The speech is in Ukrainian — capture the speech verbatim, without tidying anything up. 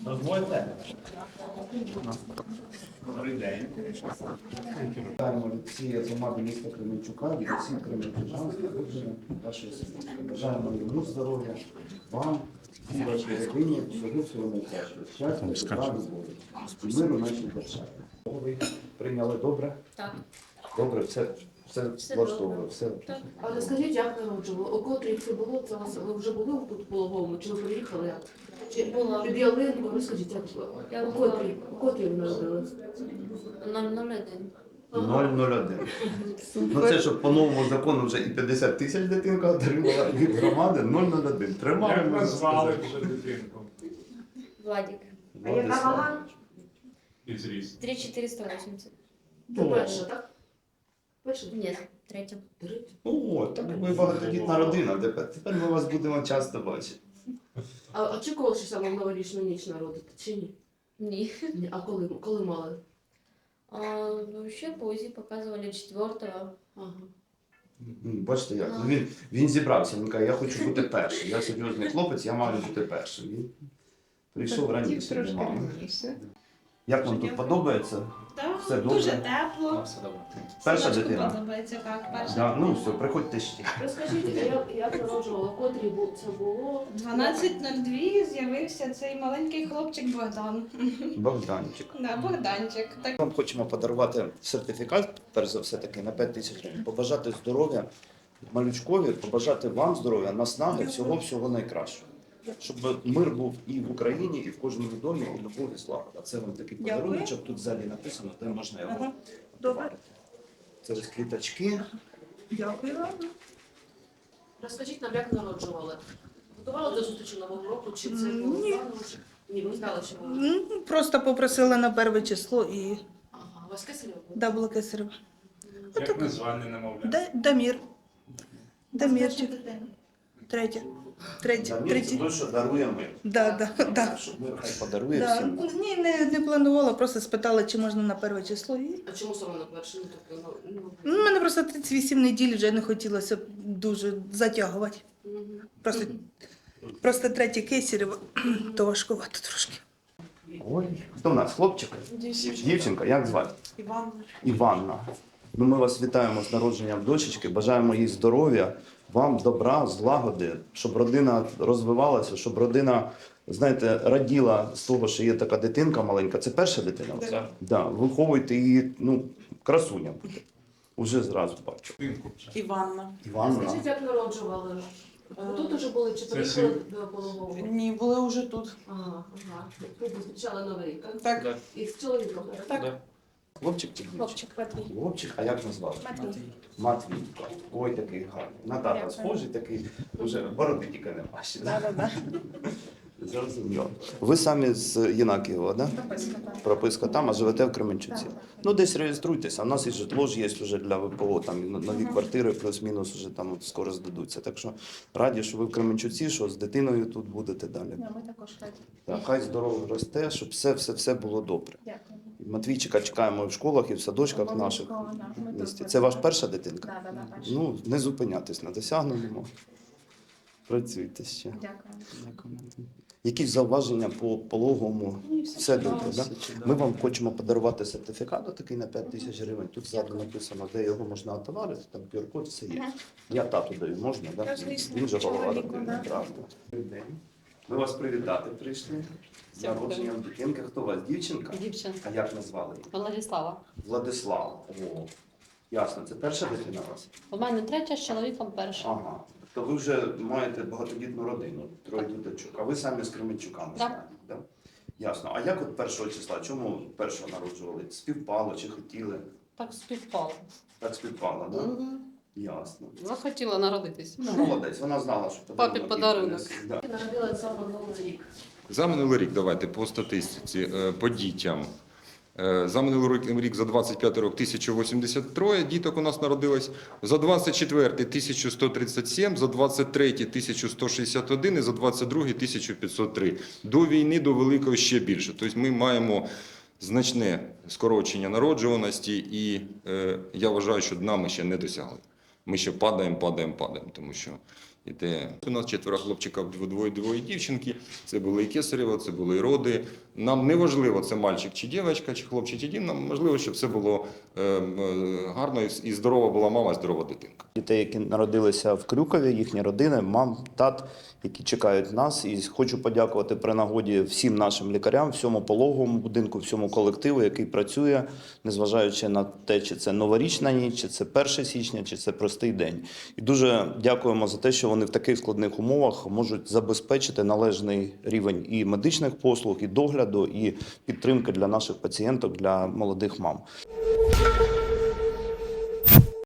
Дозвольте. Добрий день. Вітаємо Олексія Томаду, міста Кременчука, від усіх кременчужан, народження вашої сім'ї. Бажаємо йому здоров'я, вам, і вашій родині, всього всього найкращого. Щастя, добра, любові. І миру нашій державі. Ви прийняли добре? Так. Добре, все, все, Все влаштовує. добре. Все. Так. А розкажіть, як народжували? У котрій це було? Це вас ви вже були тут в пологовому? Чи ви приїхали? Чи Була. під ялинку? Розкажіть, як було? Я У була. котрій? У котрій ви народились? нуль нуль один. нуль нуль один. Ну це щоб по новому закону вже і п'ятдесят тисяч дитинка отримала від громади нуль нуль один. Тримали, Як можна назвали сказати. вже дитинку? Владик. А яка вага? І зріст. три чотириста вісімдесят. Це перша, так? Перша? Ні, третя. Третя? О, так ви багатодітна родина. Тепер, тепер ми вас будемо часто бачити. А очікували, що саме в новорічну ніч народити, чи ні? Ні. Ні. А коли, коли мали? А, вообще по УЗИ показывали четвертого. Ага. М, Бачите як? Ну, він, він зібрався, він каже, я хочу бути першим. Я серйозний хлопець, я маю бути першим. Він прийшов раніше до мами. Як вам тут подобається? Так, Все добре? дуже тепло. Перша Синочку дитина? подобається, так, перша. Да, ну все, приходьте ще. Розкажіть, як, як народжували? Котрій бу- це було? дванадцять нуль два з'явився цей маленький хлопчик Богдан. Богданчик. Да, Богданчик. Так. Вам хочемо подарувати сертифікат, перш за все таки, на п'ять тисяч гривень. Побажати здоров'я малючкові, побажати вам здоров'я, наснаги, всього-всього найкращого. Щоб мир був і в Україні, і в кожному домі, і любов, і слава. А це вам такий Дякую. подарунок, тут ззаді написано, де можна його Ага. добавити. Це ось квіточки. Дякую вам. Розкажіть нам, як народжували? Готували до зустрічі Нового року, чи це було Ні. планово, чи- Ні, ви знали, що ви... Ну, просто попросила на перше число і Ага, у вас кесарів було? да, було кесарево. Як назване немовля? Да, Дамір. Дамірчик. Третє. Третє. Дамір, це Третє. той, що дарує мир. Да, да, да. Щоб мир хай подарує Да. всім. Ні, не, не планувала, просто спитала, чи можна на перше число. І... А чому саме на перше? Ну, тобто, ну, Ну, мене просто тридцять вісім неділь вже не хотілося дуже затягувати. ну, мгм. Просто, просто третє кесарево, то важкувато трошки. Ой, хто в нас? Хлопчик? Дівчинка, як звати? Іван. Іванна. Ну, ми вас вітаємо з народженням дочечки, бажаємо їй здоров'я, вам добра, злагоди, щоб родина розвивалася, щоб родина, знаєте, раділа з того, що є така дитинка маленька. Це перша дитина? у вас? Так. Да. Виховуйте її, ну, красуня буде. Уже зразу бачу. Дитинку. Іванна. Іванна. Скажіть, як народжували? Ви тут уже були, чи Це приїхали син. до пологового? Ні, були вже тут. Ага, ага. Тут зустрічали Новий рік, так? Так. І з чоловіком, так? Так. Хлопчик чи дівчинка? Хлопчик Матвій. Хлопчик, а як назвали? Матвій. Матвійко. Ой, такий гарний. На тата Дякую. схожий, такий, вже бороди тільки не бачить. Да, да, да. Зрозуміло. Ви самі з Єнакієва, да? Прописка там, а живете в Кременчуці. Ну, десь реєструйтеся. У нас і житло ж є вже для ВПО, там і нові квартири, плюс-мінус вже там от скоро здадуться. Так що раді, що ви в Кременчуці, що з дитиною тут будете далі. Ми також раді. Так, хай здорово росте, щоб все, все, все було добре. Дякую. І Матвійчика чекаємо і в школах, і в садочках наших в місті. Це ваша перша дитинка? Да, да, да, перша. Ну, не зупинятись на досягненому. Працюйте ще. Дякую. Дякую. Якісь зауваження по пологовому? Все добре, так? Да? Ми вам хочемо подарувати сертифікат такий на п'ять тисяч гривень. Тут ззаду написано, де його можна отоварити, там ку ар код, все є. Я тату даю, можна, так? Да? Він же голова родини, правда. Добрий день. Ми вас привітати прийшли. З народженням дитинки. Хто у вас? Дівчинка? Дівчинка. А як назвали її? Владислава. Владислав. О, ясно. Це перша дитина у вас? У мене третя з чоловіком перша. Ага. То ви вже маєте багатодітну родину, троє діточок, а ви самі з Кременчука, ми Так. знаємо, да? Ясно. А як от першого числа? Чому першого народжували? Співпало чи хотіли? Так співпало. Так співпало, так? Да? Мгм. Ясно. Захотіла народитись. Ну, молодець, вона знала, що Папі їй подарунок. принесе. Да. Народила саме Новий рік. За минулий рік, давайте по статистиці, е, по дітям. Е, За минулий рік, рік за двадцять п'ятий рік тисяча вісімдесят три діток у нас народилось, за двадцять четвертий тисяча сто тридцять сім, за двадцять третій тисяча сто шістдесят один і за двадцять другий тисяча п'ятсот три. До війни, до великої ще більше. Тобто ми маємо значне скорочення народжуваності і е, я вважаю, що дна ми ще не досягли. Ми ще падаємо, падаємо, падаємо, тому що іде. У нас четверо хлопчиків, двоє двоє дівчинки. Це були і кесарево, це були і роди. Нам не важливо, це мальчик чи дівчинка, чи хлопчик, чи дім. Нам важливо, щоб все було е, е, гарно і здорова була мама, і здорова дитинка. Дітей, які народилися в Крюкові, їхні родини, мам, тат, які чекають нас. І хочу подякувати при нагоді всім нашим лікарям, всьому пологовому будинку, всьому колективу, який працює, незважаючи на те, чи це новорічна ніч, чи це перше січня, чи це простий день. І дуже дякуємо за те, що вони в таких складних умовах можуть забезпечити належний рівень і медичних послуг, і догляду, і підтримки для наших пацієнток, для молодих мам.